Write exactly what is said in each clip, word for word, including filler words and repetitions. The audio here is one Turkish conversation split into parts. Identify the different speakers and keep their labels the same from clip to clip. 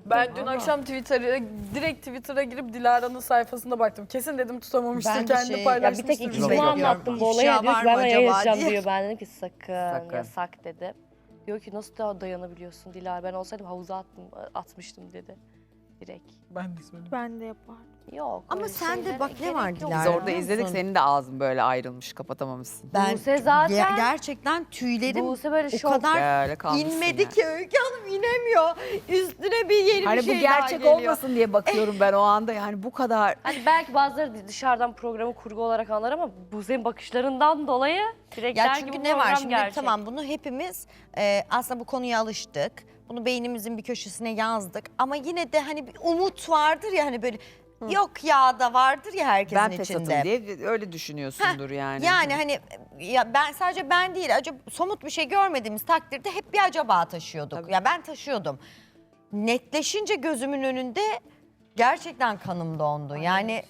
Speaker 1: Ben dün akşam Twitter'a direkt Twitter'a girip Dilara'nın sayfasına baktım. Kesin dedim tutamamıştır,
Speaker 2: Ben de
Speaker 1: kendi
Speaker 2: şey- ya bir
Speaker 1: paylaşmıştır.
Speaker 3: Bir tek ikisini
Speaker 2: Bekliyorum.
Speaker 3: anlattım bu olayı.
Speaker 2: İfşa
Speaker 3: Diyor
Speaker 2: var
Speaker 3: ki
Speaker 2: mı
Speaker 3: ben de
Speaker 2: acaba
Speaker 3: yazacağım
Speaker 2: diye.
Speaker 3: diyor. Ben dedim ki sakın,
Speaker 4: Sakın.
Speaker 3: yasak dedi. Diyor ki nasıl daha dayanabiliyorsun Dilara? Ben olsaydım havuza attım, atmıştım dedi. Direkt.
Speaker 1: Ben de söyledim.
Speaker 5: Ben de yapardım.
Speaker 3: Yok.
Speaker 2: Ama
Speaker 3: öyle
Speaker 2: sende
Speaker 3: şeylere
Speaker 2: bak ne
Speaker 3: gerek
Speaker 2: var
Speaker 3: yok.
Speaker 2: Dilara?
Speaker 4: Biz orada
Speaker 2: biliyor
Speaker 4: izledik,
Speaker 2: musun?
Speaker 4: senin de ağzın böyle ayrılmış, kapatamamışsın.
Speaker 2: Ben
Speaker 3: Buse zaten-
Speaker 2: ge- gerçekten tüylerim
Speaker 3: Buse böyle
Speaker 2: o
Speaker 3: şok.
Speaker 2: kadar
Speaker 4: Böyle kalmışsın
Speaker 2: inmedi
Speaker 4: yani.
Speaker 2: ki Öykü Hanım inemiyor. Üstüne bir yeni
Speaker 4: Hani
Speaker 2: bir şey
Speaker 4: bu gerçek
Speaker 2: daha geliyor.
Speaker 4: olmasın diye bakıyorum ben o anda, yani bu kadar.
Speaker 3: Hani belki bazıları dışarıdan programı kurgu olarak anlar ama Buse'nin bakışlarından dolayı direkt
Speaker 2: Ya
Speaker 3: der ki
Speaker 2: çünkü
Speaker 3: bu
Speaker 2: ne var
Speaker 3: program
Speaker 2: şimdi
Speaker 3: gerçek.
Speaker 2: tamam bunu hepimiz e, aslında bu konuya alıştık. Bunu beynimizin bir köşesine yazdık ama yine de hani bir umut vardır ya hani böyle yok ya da vardır ya herkesin
Speaker 4: Ben
Speaker 2: içinde.
Speaker 4: fesatım diye öyle düşünüyorsundur yani.
Speaker 2: Yani hani ya ben sadece ben değil acaba somut bir şey görmediğimiz takdirde hep bir acaba taşıyorduk.
Speaker 4: Tabii.
Speaker 2: Ya ben taşıyordum. Netleşince gözümün önünde gerçekten kanım dondu. Yani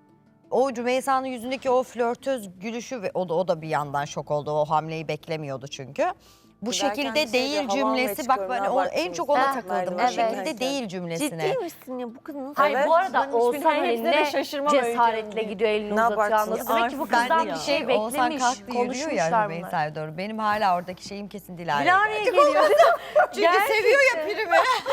Speaker 2: o Rümeysa'nın yüzündeki o flörtöz gülüşü ve o da o da bir yandan şok oldu. O hamleyi beklemiyordu çünkü. Bu
Speaker 6: Giderken
Speaker 2: şekilde
Speaker 6: bir şey
Speaker 2: değil
Speaker 6: diyor, hava almaya
Speaker 2: cümlesi bak
Speaker 6: çıkıyorum,
Speaker 2: ben
Speaker 6: ne
Speaker 2: o, en
Speaker 6: abarttınız?
Speaker 2: çok ona
Speaker 3: Ha,
Speaker 2: takıldım. Bu
Speaker 6: evet.
Speaker 2: şekilde değil cümlesine.
Speaker 6: Ciddi misin ya bu kız nasıl?
Speaker 3: Hayır
Speaker 6: Evet,
Speaker 3: bu arada
Speaker 6: ben hiçbir
Speaker 3: Oğuzhan
Speaker 6: tane
Speaker 3: hani
Speaker 6: hepsine de
Speaker 3: ne
Speaker 6: şaşırmam
Speaker 3: cesaretle
Speaker 6: Öykü.
Speaker 3: gidiyor elini
Speaker 6: Ne
Speaker 3: uzatıyor
Speaker 6: abarttınız?
Speaker 3: anladın. Demek ki bu kızdan
Speaker 2: Bendeki
Speaker 3: bir şey
Speaker 2: Oğuzhan
Speaker 3: beklemiş,
Speaker 2: kalktı yürüyor ya
Speaker 3: konuşmuşlar bunlar.
Speaker 2: Rümeysa'ya doğru. Benim hala oradaki şeyim kesin Dilara'ya.
Speaker 6: Dilara'ya
Speaker 2: gelecek.
Speaker 6: geliyor.
Speaker 2: Çünkü seviyor ya primi.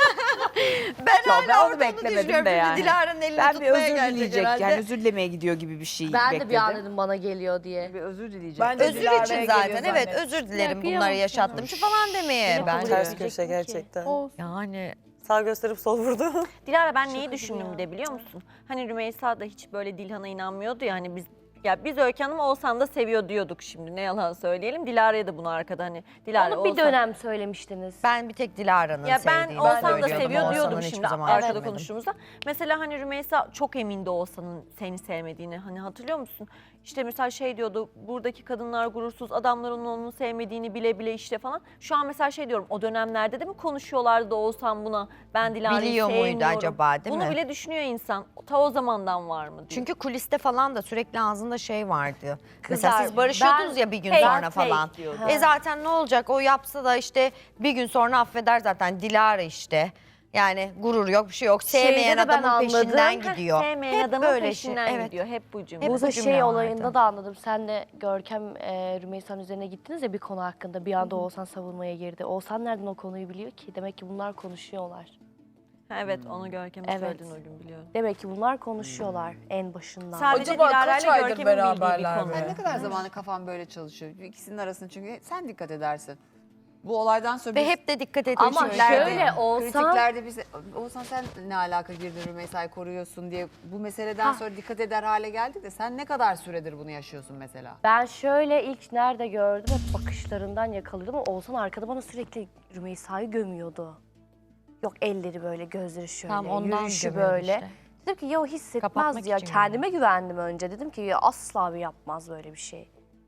Speaker 2: ben
Speaker 4: Ya
Speaker 2: hala
Speaker 4: ben onu
Speaker 2: orada
Speaker 4: beklemedim
Speaker 2: düşünüyorum.
Speaker 4: de
Speaker 2: Şimdi
Speaker 4: yani.
Speaker 2: Dilara'nın elini
Speaker 4: Ben bir
Speaker 2: tutmaya
Speaker 4: özür
Speaker 2: gelecek
Speaker 4: dileyecek,
Speaker 2: herhalde.
Speaker 4: yani özür dilemeye gidiyor gibi bir şey
Speaker 3: Ben
Speaker 4: bekledim.
Speaker 3: de bir an dedim bana geliyor diye.
Speaker 4: Bir özür dileyecek.
Speaker 1: Ben de
Speaker 2: Özür
Speaker 1: Dilara'ya
Speaker 2: için
Speaker 1: geliyor
Speaker 2: zaten evet
Speaker 1: zannettim.
Speaker 2: özür dilerim
Speaker 3: Ya,
Speaker 2: bunları
Speaker 3: kıyamam
Speaker 2: yaşattım şu falan demeye
Speaker 3: Yine
Speaker 2: ben.
Speaker 3: kabul
Speaker 6: Ters
Speaker 3: edecek
Speaker 6: köşe
Speaker 3: mi ki?
Speaker 6: gerçekten.
Speaker 2: Yani
Speaker 6: Sağ gösterip sol vurdu.
Speaker 7: Dilara ben neyi düşündüm bir de biliyor musun? Hani Rümeysa da hiç böyle Dilhan'a inanmıyordu ya hani biz ya biz Öykü Hanım'ı Oğuzhan da seviyor diyorduk şimdi ne yalan söyleyelim. Dilara'ya da bunu arkada hani Dilara
Speaker 3: Onu bir
Speaker 7: Oğuzhan-
Speaker 3: dönem söylemiştiniz.
Speaker 2: ben bir tek Dilara'nın
Speaker 7: ya ben
Speaker 2: sevdiğini
Speaker 7: Oğuzhan da
Speaker 2: söylüyordum.
Speaker 7: seviyor
Speaker 2: Oğuzhan'ın
Speaker 7: diyordum
Speaker 2: hiçbir
Speaker 7: şimdi
Speaker 2: zaman
Speaker 7: arkada
Speaker 2: sevmedim.
Speaker 7: konuştuğumuzda. Mesela hani Rümeysa çok emindi Oğuzhan'ın seni sevmediğini hani hatırlıyor musun? İşte mesela şey diyordu buradaki kadınlar gurursuz adamların onu sevmediğini bile bile işte falan. Şu an mesela şey diyorum o dönemlerde de mi konuşuyorlardı da Oğuzhan buna ben Dilara'yı
Speaker 2: Biliyor
Speaker 7: sevmiyorum.
Speaker 2: muydu acaba, değil
Speaker 7: Bunu
Speaker 2: mi?
Speaker 7: bile düşünüyor insan. Ta o zamandan var mı diye.
Speaker 2: Çünkü kuliste falan da sürekli ağzında şey vardı.
Speaker 3: Kızlar,
Speaker 2: Mesela siz barışıyordunuz
Speaker 3: ben
Speaker 2: ya bir gün
Speaker 7: fake,
Speaker 2: sonra
Speaker 7: fake
Speaker 2: falan.
Speaker 7: diyordu.
Speaker 2: E zaten ne olacak o yapsa da işte bir gün sonra affeder zaten Dilara işte. Yani gurur yok bir şey yok. Sevmeyen
Speaker 3: Şeyde de ben
Speaker 2: adamın
Speaker 3: anladım.
Speaker 2: peşinden
Speaker 7: Heh,
Speaker 2: gidiyor.
Speaker 7: Sevmeyen
Speaker 2: Hep
Speaker 7: adamın
Speaker 2: böyle
Speaker 7: peşinden
Speaker 2: şey, evet.
Speaker 7: gidiyor. Hep bu cümle.
Speaker 2: Hep
Speaker 3: Bu
Speaker 2: bu
Speaker 3: da
Speaker 2: cümle
Speaker 3: şey
Speaker 2: vardı.
Speaker 3: olayında da anladım. Sen de Görkem e, Rümeysa'nın üzerine gittiniz ya bir konu hakkında. Bir anda Oğuzhan savunmaya girdi. Oğuzhan nereden o konuyu biliyor ki? Demek ki bunlar konuşuyorlar.
Speaker 7: Ha, evet onu Görkem'e
Speaker 3: Evet.
Speaker 7: söyledin o gün biliyorum.
Speaker 3: Demek ki bunlar konuşuyorlar en başından.
Speaker 7: Sadece
Speaker 1: Acaba
Speaker 7: Dilara
Speaker 1: kaç
Speaker 7: ile
Speaker 1: aydır
Speaker 7: Görkem'in bildiği bir
Speaker 1: beraberler
Speaker 7: konu.
Speaker 1: be?
Speaker 4: Ne kadar zamanı kafam böyle çalışıyor. İkisinin arasında çünkü sen dikkat edersin. Bu olaydan sonra
Speaker 2: Ve
Speaker 4: biz
Speaker 2: hep de dikkat ediyor.
Speaker 3: Ama
Speaker 4: kritiklerde-
Speaker 3: şöyle Oğuzhan-
Speaker 4: kritiklerde biz Oğuzhan sen ne alaka girdin Rümeysa'yı koruyorsun diye bu meseleden sonra dikkat eder hale geldik de sen ne kadar süredir bunu yaşıyorsun mesela?
Speaker 3: Ben şöyle ilk nerede gördüm hep bakışlarından yakalıyordum ama Oğuzhan arkada bana sürekli Rümeysa'yı gömüyordu. Yok elleri böyle, gözleri şöyle,
Speaker 2: Tam ondan
Speaker 3: yürüyüşü
Speaker 2: gömüyordu
Speaker 3: böyle.
Speaker 2: işte.
Speaker 3: Dedim ki ya o hissetmez
Speaker 2: Kapatmak
Speaker 3: ya
Speaker 2: için
Speaker 3: kendime güvendim önce. Dedim ki ya asla bir yapmaz böyle bir şey.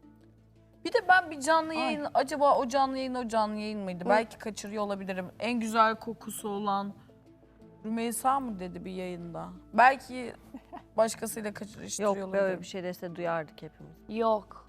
Speaker 1: Bir de ben bir canlı yayın, acaba o canlı yayın o canlı yayın mıydı? Belki kaçırıyor olabilirim. En güzel kokusu olan Rümeysa mı dedi bir yayında? Belki başkasıyla kaçırıştırıyor
Speaker 7: Yok
Speaker 1: olabilirim.
Speaker 7: böyle bir şey dese duyardık hepimiz.
Speaker 3: Yok.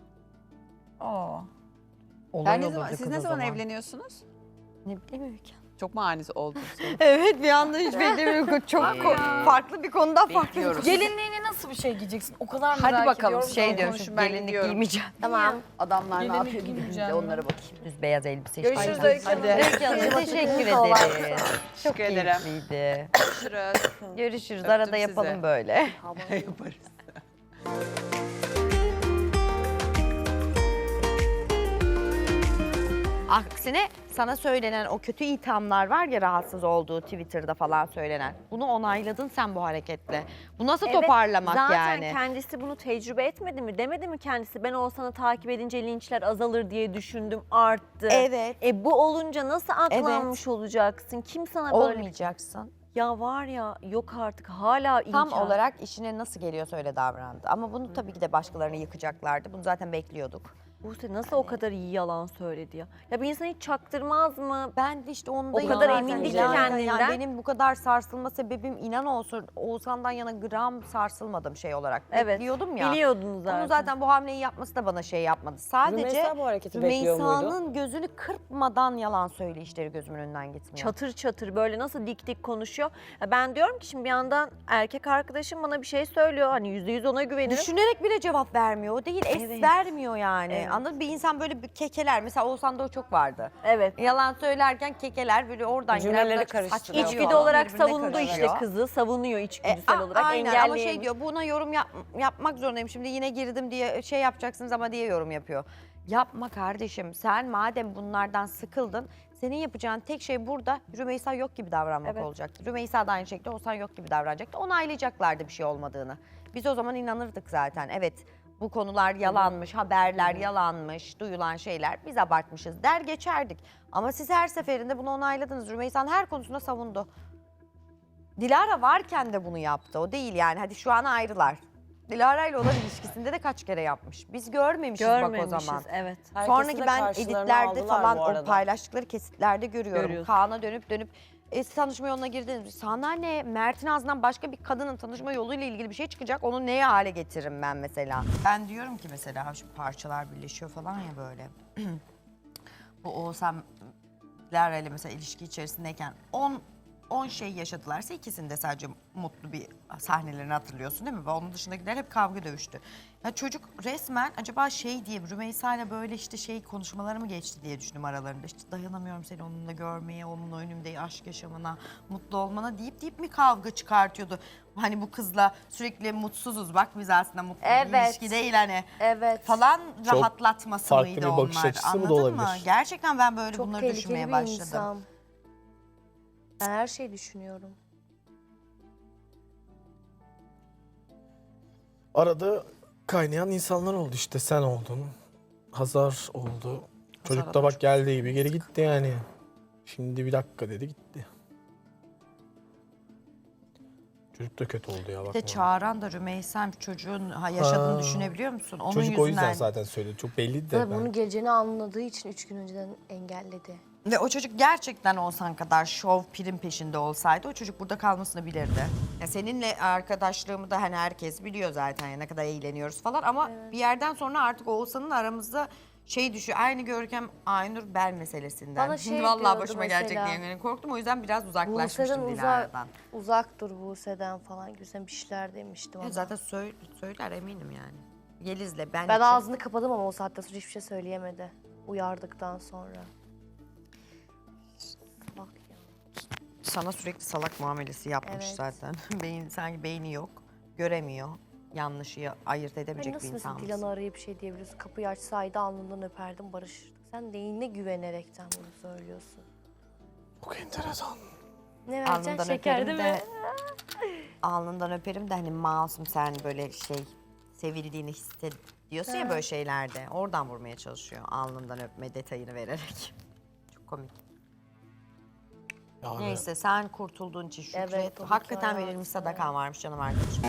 Speaker 1: Aa.
Speaker 2: Olay
Speaker 4: Yani ne
Speaker 2: olurdu
Speaker 4: zaman,
Speaker 2: kız
Speaker 4: siz
Speaker 2: o
Speaker 4: ne zaman
Speaker 2: zaman.
Speaker 4: evleniyorsunuz?
Speaker 2: Ne bileyim Öykü.
Speaker 4: Çok mu ani oldu?
Speaker 2: Evet bir anda hiç beklemiyorum. Çok ko- farklı bir konudan farklı bir
Speaker 4: Bekliyoruz.
Speaker 2: konu.
Speaker 1: Gelinliğine nasıl bir şey giyeceksin? O kadar merak
Speaker 4: Hadi bakalım,
Speaker 1: ediyorum.
Speaker 2: Şey
Speaker 1: ki.
Speaker 2: diyorum
Speaker 4: konuşun,
Speaker 2: şu
Speaker 4: ben
Speaker 2: gelinlik
Speaker 4: gidiyorum.
Speaker 2: giymeyeceğim.
Speaker 3: Tamam.
Speaker 4: Adamlar ne
Speaker 1: Gelinlik
Speaker 4: yapıyor gidip
Speaker 1: giyeceğim
Speaker 4: de
Speaker 1: ben.
Speaker 4: onlara bakayım.
Speaker 2: Düz beyaz elbise.
Speaker 1: Görüşürüz
Speaker 2: işte.
Speaker 1: Öykü Hanım.
Speaker 2: Öykü Hanım teşekkür ederiz. Çok
Speaker 4: Teşekkür ederim.
Speaker 2: keyifliydi.
Speaker 4: Görüşürüz.
Speaker 2: Görüşürüz.
Speaker 4: Öptüm
Speaker 2: Arada
Speaker 4: sizi.
Speaker 2: yapalım böyle.
Speaker 4: Yaparız.
Speaker 2: Aksine sana söylenen o kötü ithamlar var ya rahatsız olduğu Twitter'da falan söylenen. Bunu onayladın sen bu hareketle. Bu nasıl toparlamak
Speaker 7: zaten
Speaker 2: yani?
Speaker 7: kendisi bunu tecrübe etmedi mi? Demedi mi kendisi? Ben Oğuzhan'ı takip edince linçler azalır diye düşündüm, arttı.
Speaker 2: Evet.
Speaker 7: E bu olunca nasıl aklanmış olacaksın? Kim sana böyle...
Speaker 2: Olmayacaksın.
Speaker 7: Ya var ya yok artık hala
Speaker 2: Tam
Speaker 7: inkar.
Speaker 2: olarak işine nasıl geliyorsa öyle davrandı. Ama bunu tabii ki de başkalarını yıkacaklardı. Bunu zaten bekliyorduk.
Speaker 7: Buse nasıl o kadar iyi yalan söyledi ya? Ya bir insan hiç çaktırmaz mı?
Speaker 2: Ben de işte onda
Speaker 7: O kadar
Speaker 2: zaten
Speaker 7: emindi ki
Speaker 2: Dilara,
Speaker 7: kendinden.
Speaker 2: Yani benim bu kadar sarsılma sebebim inan olsun Oğuzhan'dan yana gram sarsılmadım şey olarak.
Speaker 7: Evet.
Speaker 2: Bekliyordum ya.
Speaker 7: Biliyordunuz zaten.
Speaker 2: Onu zaten bu hamleyi yapması da bana şey yapmadı. Sadece
Speaker 6: Rümeysa bu hareketi bekliyor muydu?
Speaker 2: Rümeysa'nın gözünü kırpmadan yalan söyleyişleri gözümün önünden gitmiyor.
Speaker 7: Çatır çatır böyle nasıl dik dik konuşuyor. Ya ben diyorum ki şimdi bir yandan erkek arkadaşım bana bir şey söylüyor. Hani yüzde yüz ona güvenirim.
Speaker 2: Düşünerek bile cevap vermiyor. O değil, es
Speaker 7: Evet.
Speaker 2: vermiyor yani.
Speaker 7: Evet.
Speaker 2: Anladın mı? Bir insan böyle bir kekeler. Mesela Oğuzhan'da o çok vardı.
Speaker 7: Evet.
Speaker 2: Yalan söylerken kekeler böyle oradan
Speaker 6: Cümleleri
Speaker 2: girer, buradan
Speaker 6: karıştırıyor.
Speaker 2: saçmalıyor,
Speaker 7: İçgüdü olarak
Speaker 2: birbirine
Speaker 7: savundu işte
Speaker 2: karışıyor.
Speaker 7: kızı. Savunuyor
Speaker 2: E,
Speaker 7: içgüdüsel
Speaker 2: a-
Speaker 7: olarak.
Speaker 2: aynen ama şey
Speaker 7: Engelleyemiyor.
Speaker 2: diyor buna yorum yap- yapmak zorundayım. Şimdi yine girdim diye şey yapacaksınız ama diye yorum yapıyor. Yapma kardeşim. Sen madem bunlardan sıkıldın senin yapacağın tek şey burada Rümeysa yok gibi davranmak
Speaker 7: Evet.
Speaker 2: olacaktı. Rümeysa da aynı şekilde Oğuzhan yok gibi davranacaktı. Onaylayacaklardı bir şey olmadığını. Biz o zaman inanırdık zaten. Evet bu konular yalanmış, haberler yalanmış, duyulan şeyler biz abartmışız der geçerdik. Ama siz her seferinde bunu onayladınız. Rümeysa'nın her konusunda savundu. Dilara varken de bunu yaptı. O değil yani. Hadi şu an ayrılar. Dilara ile olan ilişkisinde de kaç kere yapmış. Biz görmemişiz, bak o
Speaker 7: Görmemişiz.
Speaker 2: zaman.
Speaker 7: Evet.
Speaker 6: Herkesi
Speaker 2: Sonraki
Speaker 6: de
Speaker 2: ben
Speaker 6: karşılarına
Speaker 2: editlerde
Speaker 6: aldılar
Speaker 2: falan
Speaker 6: bu
Speaker 2: o
Speaker 6: arada.
Speaker 2: paylaştıkları kesitlerde görüyorum.
Speaker 7: Görüyorsun.
Speaker 2: Kaan'a dönüp dönüp e, tanışma yoluna girdiniz. Sana ne? Mert'in ağzından başka bir kadının tanışma yoluyla ilgili bir şey çıkacak. Onu neye hale getiririm ben mesela? Ben diyorum ki mesela şu parçalar birleşiyor falan ya böyle. Bu Oğuzhan Lara ile mesela ilişki içerisindeyken on on şey yaşadılarsa ikisinde sadece mutlu bir sahnelerini hatırlıyorsun değil mi? Ve onun dışındakiler hep kavga dövüştü. Ya çocuk resmen acaba şey diye Rümeysa ile böyle işte şey konuşmaları mı geçti diye düşündüm aralarında. İşte dayanamıyorum seni onunla görmeye, onun önümde aşk yaşamana, mutlu olmana deyip deyip mi kavga çıkartıyordu? Hani bu kızla sürekli mutsuzuz bak biz aslında mutlu bir
Speaker 3: Evet.
Speaker 2: ilişki değil hani
Speaker 3: Evet.
Speaker 2: falan
Speaker 5: Çok
Speaker 2: rahatlatması
Speaker 5: farklı
Speaker 2: mıydı
Speaker 5: bir bakış
Speaker 2: onlar?
Speaker 5: açısı mı da
Speaker 2: Anladın mı?
Speaker 5: olabilir?
Speaker 2: Gerçekten ben böyle
Speaker 3: Çok
Speaker 2: bunları
Speaker 3: tehlikeli
Speaker 2: düşünmeye
Speaker 3: bir
Speaker 2: başladım.
Speaker 3: insan. Ben her şeyi düşünüyorum.
Speaker 5: Arada kaynayan insanlar oldu işte sen oldun. Hazar oldu. Çocuk
Speaker 2: Hazar'a
Speaker 5: da
Speaker 2: da
Speaker 5: bak
Speaker 2: çok
Speaker 5: geldiği gibi geri gitti yani. Şimdi bir dakika dedi gitti. Çocuk da kötü oldu ya
Speaker 2: Bir
Speaker 5: bak.
Speaker 2: de Çağıran da Rümeysa'm çocuğun ha, yaşadığını
Speaker 5: Ha.
Speaker 2: düşünebiliyor musun? Onun
Speaker 5: Çocuk
Speaker 2: yüzünden.
Speaker 5: o yüzden zaten söyledi. Çok belliydi de
Speaker 3: Tabii
Speaker 5: ben.
Speaker 3: bunun geleceğini anladığı için üç gün önceden engelledi.
Speaker 2: Ve o çocuk gerçekten Oğuzhan kadar şov prim peşinde olsaydı o çocuk burada kalmasını bilirdi. Ya seninle arkadaşlığımı da hani herkes biliyor zaten ya ne kadar eğleniyoruz falan ama bir yerden sonra artık Oğuzhan'ın aramızda şey düşüyor. Aynı Görkem Aynur Bel meselesinden.
Speaker 3: Bana şey
Speaker 2: Şimdi vallahi
Speaker 3: diyordu
Speaker 2: başıma
Speaker 3: mesela.
Speaker 2: gelecek diye yani korktum o yüzden biraz
Speaker 3: Buse'den
Speaker 2: uzaklaşmıştım
Speaker 3: uzak,
Speaker 2: Dilara'dan.
Speaker 3: uzak dur Buse'den falan gibisinden bir şeyler demiştim
Speaker 2: Ya
Speaker 3: ama.
Speaker 2: zaten söyle, söyler eminim yani. Yeliz'le ben,
Speaker 3: Ben
Speaker 2: için-
Speaker 3: ağzını kapadım ama o saatten sonra hiçbir şey söyleyemedi. Uyardıktan sonra. Bak ya.
Speaker 2: Sana sürekli salak muamelesi yapmış
Speaker 3: Evet.
Speaker 2: zaten. Beyin, sanki beyni yok, göremiyor. Yanlışı ayırt
Speaker 3: Ay
Speaker 2: edemeyecek
Speaker 3: nasıl
Speaker 2: bir
Speaker 3: mesela
Speaker 2: insan.
Speaker 3: Dilan'ı arayıp bir şey diyebiliyorsun? Kapıyı açsaydı alnından öperdim barışırdık. Sen neyine güvenerekten bunu söylüyorsun?
Speaker 5: Çok enteresan.
Speaker 3: Ne vereceksin?
Speaker 2: Alnından
Speaker 3: Şeker
Speaker 2: öperim
Speaker 3: değil
Speaker 2: de,
Speaker 3: mi?
Speaker 2: alnından öperim de hani masum sen böyle şey sevildiğini hissediyorsun ya böyle şeylerde. Oradan vurmaya çalışıyor alnından öpme detayını vererek. Çok komik.
Speaker 5: Yani
Speaker 2: Neyse sen kurtulduğun için şükret.
Speaker 3: Evet, o
Speaker 2: Hakikaten
Speaker 3: hikaye
Speaker 2: verilmiş
Speaker 3: varsa.
Speaker 2: sadakan varmış canım arkadaşım.